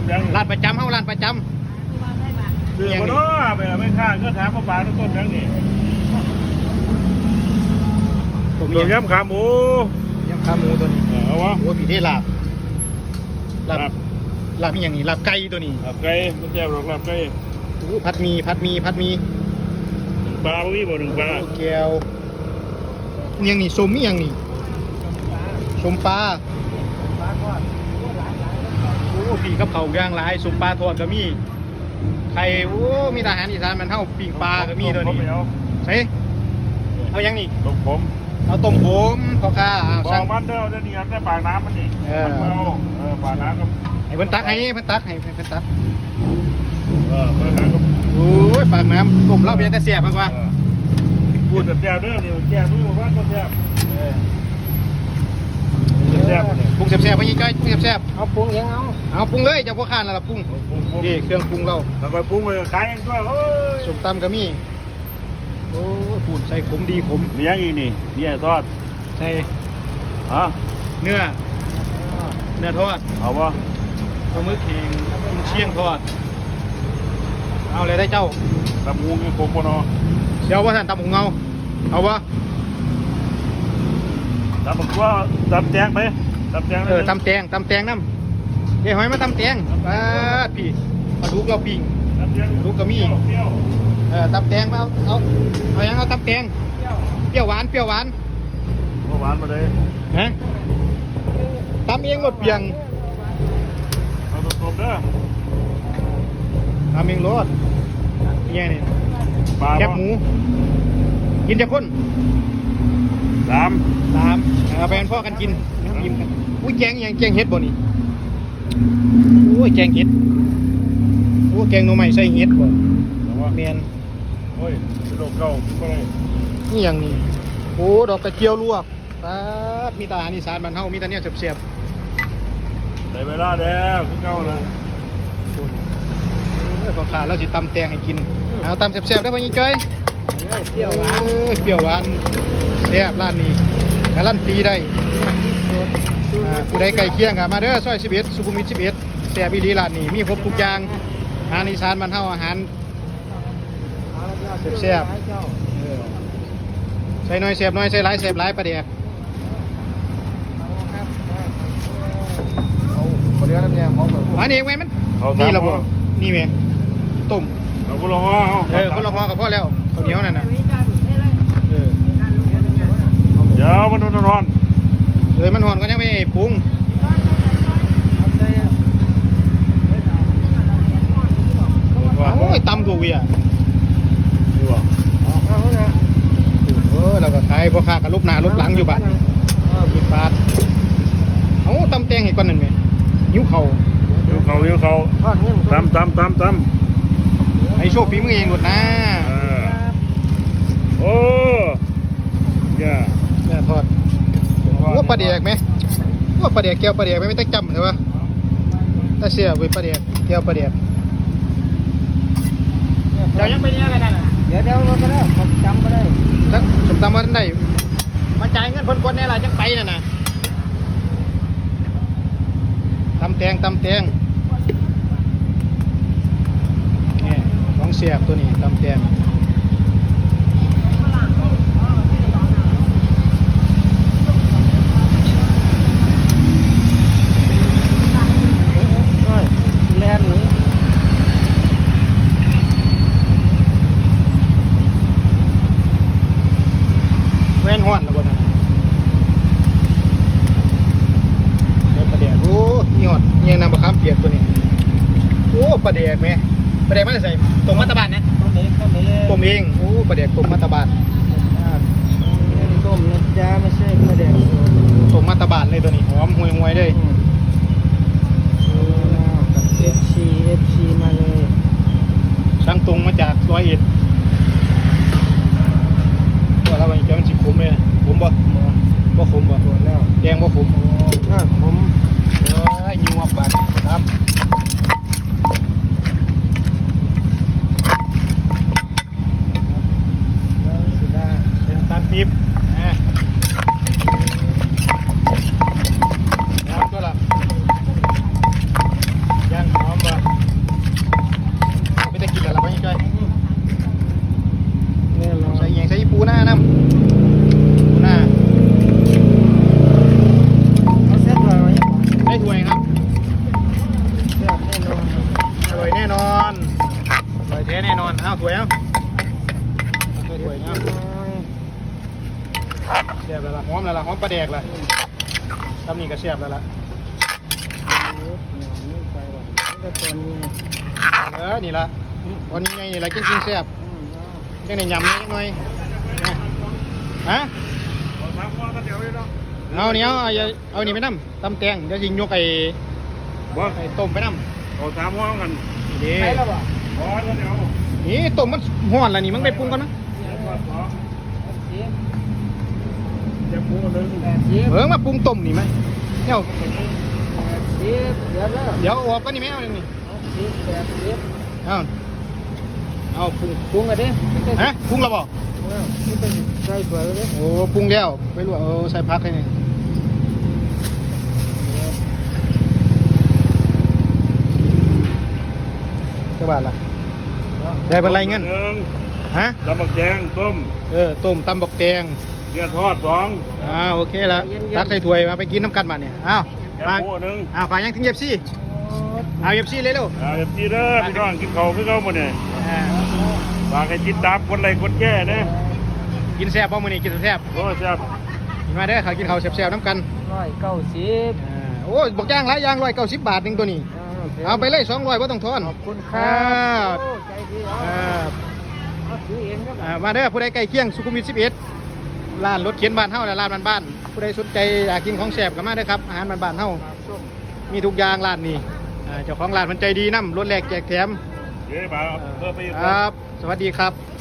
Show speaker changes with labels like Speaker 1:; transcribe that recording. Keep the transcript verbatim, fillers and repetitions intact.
Speaker 1: ยัง
Speaker 2: ร้านประจำเฮาร้านประจำ
Speaker 1: เสือมาเนาะไปไม่ข้างก็ถามมาปลาต้นต้นยังนี่ตัวย้ำขาหมู
Speaker 2: ย้ำขาหมูตัวนี้
Speaker 1: เอาวะ
Speaker 2: โอ้ผีที่ลาบลาบลาบมีอย่างนี้ลาบไก่ตัวนี้
Speaker 1: ลาบไก่มันแจ่วหรอกลาบไก่
Speaker 2: โอ้ผัดมีผัดมีผัดมี
Speaker 1: ปลาไม่มีบ่หนึ่งปลา
Speaker 2: แก้วอย่างนี้ส้มมีอย่างนี้ส้มปลาโอ้ปีกับเขาย่างหลายส้มปลาทอดก็มีไข่โอ้มีทหารอีสานมันเท่าปีกปลาก็มีตัวนี้ใช่เอาอย่างนี้
Speaker 1: ต้มผม
Speaker 2: เอาต้มผมพอค่า
Speaker 1: บอมันเด้อจะนี่ได้ปากน้ำมันนี่เออเออปากน้ำก็
Speaker 2: ให้เพิ่นตักให้เพิ่นตักให้เพิ่นตัก
Speaker 1: เออปากน้ำก็
Speaker 2: โอ้ยปากน้ำต้มเหล้าเบียร์แต่เสียบมากกว่า
Speaker 1: พูดแต่แจ่วเด้อนี่แจ่วรู้ว่าก็แจ่วแซ่บ
Speaker 2: ปรุงแซ่บๆไปยี่จ้อยปรุงแซ่บ
Speaker 3: ๆเอาปรุงยังเอา
Speaker 2: เอาปรุงเลยจะพวกข้านแล้วล่ะปรุงนี่เครื่องปรุงเรา
Speaker 1: แล้วก็ปรุงไปขายเองด้วยโอ้ย
Speaker 2: ส้มตำก็มีโอ้ปูนใส่ขมดีขม
Speaker 1: มีอย่างอีกนี่นี่ทอด
Speaker 2: ใส่
Speaker 1: ฮะ
Speaker 2: เนื้อเนื้อทอด
Speaker 1: เอาวะ
Speaker 2: ปลาหมึกแห้งเชียงทอดเอาเลยได้เจ้า
Speaker 1: ตำงูนี่ผมปนอ
Speaker 2: เดี๋ยวว่าท่านตำหงเงาเอาวะ
Speaker 1: ตำบักว่าตำแตงไปตำแตง
Speaker 2: เออตำแตงตำแตงน้ำเดี๋ยวหอยมาตำแตงปลาพี่ปลาดุกเราปิ้งดุกก็มีเออตำแตงเอาเอาเอายังเอาตำแตงเปรี้ยวหวานเปรี้ยวหวาน
Speaker 1: หวานมาเลย
Speaker 2: ฮะตำเองหมดเปียง
Speaker 1: เอาตบๆเด้อ
Speaker 2: ตำเองรสเนี่ยนี่แคบหมูกินจะข้น
Speaker 1: สาม
Speaker 2: สามเอาไปกันพ่อกันกินยิ้มกันอุ้ยแกงยังแกงเห็ดบ่นี่โอ้ยแกงเห็ดโอ้แกงหน่อไม้ใส่เห็ดบ่เมียน
Speaker 1: โอ้ยดอกเก่าก็ได้
Speaker 2: นี่อย่างนี้โอ้ดอกกระเจียวลวกป๊าดมีตาอาหารอีสานบ้านเฮามีตาเนี่ยเสียบ
Speaker 1: ๆได้เวลาแล้วขึ้นเก่าเลย
Speaker 2: เออพอขาดแล้วสิตำแตงให้กินเอาตำเสียบๆได้ป่ะยี่จ้อยเปรี้ยวหวานเปรี้ยวหวานแซ่บร้านนี้การันตีได้ผู้ใดไก่เคียงกับมาเด้อซอยสิบเอ็ดสุขุมวิทสิบเอ็ดแซ่บอีหลีร้านนี้มีครบทุกอย่างอาหารอีสานบ้านเฮาอาหารแซ่บใส่น้อยแซ่บน้อยใส่หลายแซ่บหลายประเดี๋ยวเอาเรือน้ำแดงของแบบอันนี้ไว้มันนี่เราบอกนี่แม่ต้ม
Speaker 1: เราก็รอ
Speaker 2: เออก็รอพอกับพ่อแล้วข้าวเหนียวนั่นน่ะเออ
Speaker 1: เดี๋ยวมันร้อน
Speaker 2: เลยมันหอนก็ยังไม่ปรุงโอ้ยตำกูเวีย
Speaker 1: ดูอ่ะ
Speaker 2: เออเราก็ขายพ่อค้ากับลูกหน้าลูกหลังอยู่บ้านบิดบาทเอาตำแตงให้ก่อนนั่นไหมหิ้วเข่า
Speaker 1: หิ้วเข่าหิ้วเข่าตำตำตำตำ
Speaker 2: ไอ้โชคฝีมือเองหมดนะ
Speaker 1: โอ้ย
Speaker 2: เนี่ยทอดว่าปลาเดียกไหมว่าปลาเดียกแก้วปลาเดียกไม่ไม่ต้องจำใช่ปะถ้าเสียไปปลาเดียกแก้วปลาเดียกเดี๋ยวยังไปเนี่ยกันนะ
Speaker 3: เดี๋ยวเดี๋ยวเราก็ได้ผมจำก็ได้
Speaker 2: สักสมตำวันได้มาจ่ายเงินคนคนนี่แหละจังไปน่ะนะตำแตงตำแตงนี่ของเสียบตัวนี้ตำแตง
Speaker 3: แล่นหรือ
Speaker 2: แว่นห้อนแล้วบ่นะเดี๋ยวปลาแดกโอ้ยอดเงี้ยน้ำมะขามเปียกตัวนี้โอ้ปลาแดกไหมปลาแดกมันจะใส่ต้มมัตตบานนะ
Speaker 3: ต้มเองต้มเอง
Speaker 2: ต้มเองโอ้ปลาแดกต้มมัตตบาน
Speaker 3: ต้มนะจ๊ะไม่ใช่ปลาแดก
Speaker 2: ต้มมัตตบานเลยตัวนี้หอมห่วยห่วยเลย
Speaker 3: เอฟซีเอฟซีมาเลย
Speaker 2: ช่างตรงมาจากร้อยเอ็ดว่าเราเป็นเจ้ามันสิขมเลยขมบ่บ่ขมบ่
Speaker 3: แล้ว
Speaker 2: แดงบ่ขม
Speaker 3: น่าขม
Speaker 2: เออยิงวับบาดครับเป็นตาลปี๊บปลาแดกล่ะทำนี่ก็แซ่บแล้วล่ะ
Speaker 3: ไปว่ะก็ตอนนี้
Speaker 2: เออนี่ล่ะวันนี้ไงนี่ล่ะกินกินแซ่บจังได้ยำนิดหน่อยนะฮะ
Speaker 1: เอาสามหัวก็เดี๋ยวเลยเนาะ
Speaker 2: เอานี่เอาเอาเอานี่ไปน้ำตำแตงเดี๋ยวยิงยกไอ้
Speaker 1: บ่
Speaker 2: ไอ้ต้มไปน้
Speaker 1: เอาสามหัวกัน
Speaker 2: ำนี่
Speaker 3: ไปแล้วบ่
Speaker 1: บ่ก็เดี๋ยว
Speaker 2: นี่ต้มมันห้อนแล้วนี่มึงไปปรุงก่อนนะ
Speaker 3: สิบ
Speaker 1: จะพูดนึง
Speaker 3: แปดสิบ
Speaker 2: เออมาปรุงต้มนี่ไหมเนี่ย
Speaker 3: แปดสิบเดี๋ยวแล้ว
Speaker 2: เดี๋ยวเอาออกก็นี่ไหมเอานี่
Speaker 3: สิบแปดสิบ
Speaker 2: เอาเอาปรุง
Speaker 3: ปรุงกันดิ
Speaker 2: ฮะปรุงแล้วบอก
Speaker 3: นี่เป็นใส่ถ้วยเลย
Speaker 2: โอ้ปรุงแล้วไปลวกเออใส่พักให้นี่เท่าบาทละได้เป็นไรเงิน
Speaker 1: หนึ่ง
Speaker 2: ฮะ
Speaker 1: ตำบักแดงต้ม
Speaker 2: เออต้มตำบักแตง
Speaker 1: เกี๊ยวทอดสอง
Speaker 2: อ้าวโอเคแล้วตักใส่ถ้วยมาไปกินน้ำกันมาเนี่ยอ้าว
Speaker 1: แก
Speaker 2: มา
Speaker 1: พูดนึง
Speaker 2: อ้าวฝากยังถึงเย็บซี่เอาเย็บซี่เลยเร็ว
Speaker 1: อ่าเดี๋ยวจีเด้อพี่น้องกินข้าวคือเขาหมดเนี่ย
Speaker 2: อ่า
Speaker 1: ฝากให้จิตตามคนไรคนแก่นะ
Speaker 2: กินแซ่บบ่มื้อนี้กินแซ่บ
Speaker 1: โอ้แซ่บ
Speaker 2: กินมาเด้อเขากินข้าวแซ่บๆน้ำกัน
Speaker 3: ร้อยเก้าสิบ
Speaker 2: อ่าโอ้ยบอกย่างหลายอย่างร้อยเก้าสิบบาทหนึงตัวนี้ เอาไปเลยสองร้อยบ่ต้องทอน
Speaker 3: ขอบคุณครับโอ้ใจดี
Speaker 2: อ่า
Speaker 3: เอาซื้อเองครับ
Speaker 2: อ่ามาเด้อผู้ใดใกล้เคียงสุขุมวิทสิบเอ็ดร้านรถเข็นบ้านเฮาและร้านบ้านๆผู้ใดสนใจอยากกินของแซ่บก็มาเด้อครับอาหารบ้านๆเฮามีทุกอย่างร้านนี้อ่าเจ้าของร้านมันใจดีนำรถแลกแจกแถม
Speaker 1: เดี๋ยวบ่าวเพิ่มไปอีก
Speaker 2: ครับ สวัสดีครับ